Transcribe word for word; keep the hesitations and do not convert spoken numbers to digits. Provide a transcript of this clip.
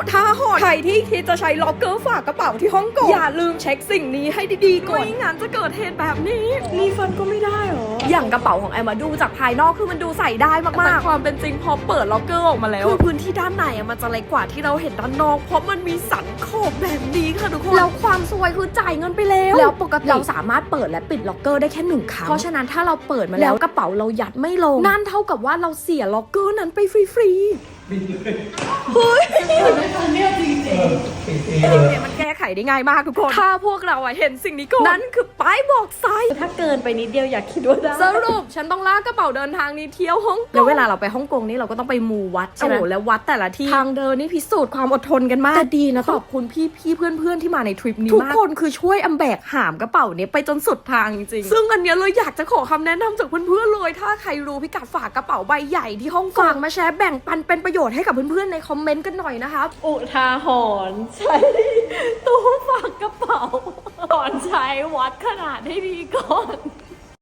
ท่าหอดใครที่คิดจะใช้ล็อกเกอร์ฝากกระเป๋าที่ฮ่องกงอย่าลืมเช็คสิ่งนี้ให้ดีๆก่อนไม่งั้นจะเกิดเหตุแบบนี้รีฟันก็ไม่ได้หรออย่างกระเป๋าของแอมมาดูจากภายนอกคือมันดูใส่ได้มากๆแต่ความเป็นจริงพอเปิดล็อกเกอร์ออกมาแล้วคือพื้นที่ด้านในมันจะเล็กกว่าที่เราเห็นด้านนอกเพราะมันมีสันขอบแบบนี้ค่ะทุกคนแล้วความซวยคือจ่ายเงินไปแล้วแล้วปกติเราสามารถเปิดและปิดล็อกเกอร์ได้แค่หนึ่งครั้งเพราะฉะนั้นถ้าเราเปิดมาแล้วกระเป๋าเรายัดไม่ลงนั่นเท่ากับว่าเราเสียล็อกเกอร์นั้นไปฟรีๆเฮ้ยเนี่ยจริงๆเนี่ยมันแก้ไขได้ง่ายมากทุกคนถ้าพวกเราเห็นสิ่งนี้ก่อนนั่นคือป้ายบอกไซส์ถ้าเกินไปนิดเดียวอยากคิดว่าได้สรุปฉันต้องลากกระเป๋าเดินทางนี้เที่ยวฮ่องกงแล้วเวลาเราไปฮ่องกงนี่เราก็ต้องไปมูวัดใช่ไหมแล้ววัดแต่ละที่ทางเดินนี่พิสูจน์ความอดทนกันมากแต่ดีนะขอบคุณพี่พี่เพื่อนเพื่อนที่มาในทริปนี้ทุกคนคือช่วยอำแบกหามกระเป๋านี้ไปจนสุดทางจริงๆซึ่งอันนี้เลยอยากจะขอคำแนะนำจากเพื่อนๆเลยถ้าใครรู้พิกัดฝากกระเป๋าใบใหญ่ที่ฮ่องกงมาแชร์แบ่งปันเป็นประโยชน์ให้กับเพื่อนๆในคอมเมนต์กันหน่อยนะคะอุทาหรณ์ใช้ตู้ฝากกระเป๋าก่อนใช้วัดขนาดให้ดีก่อน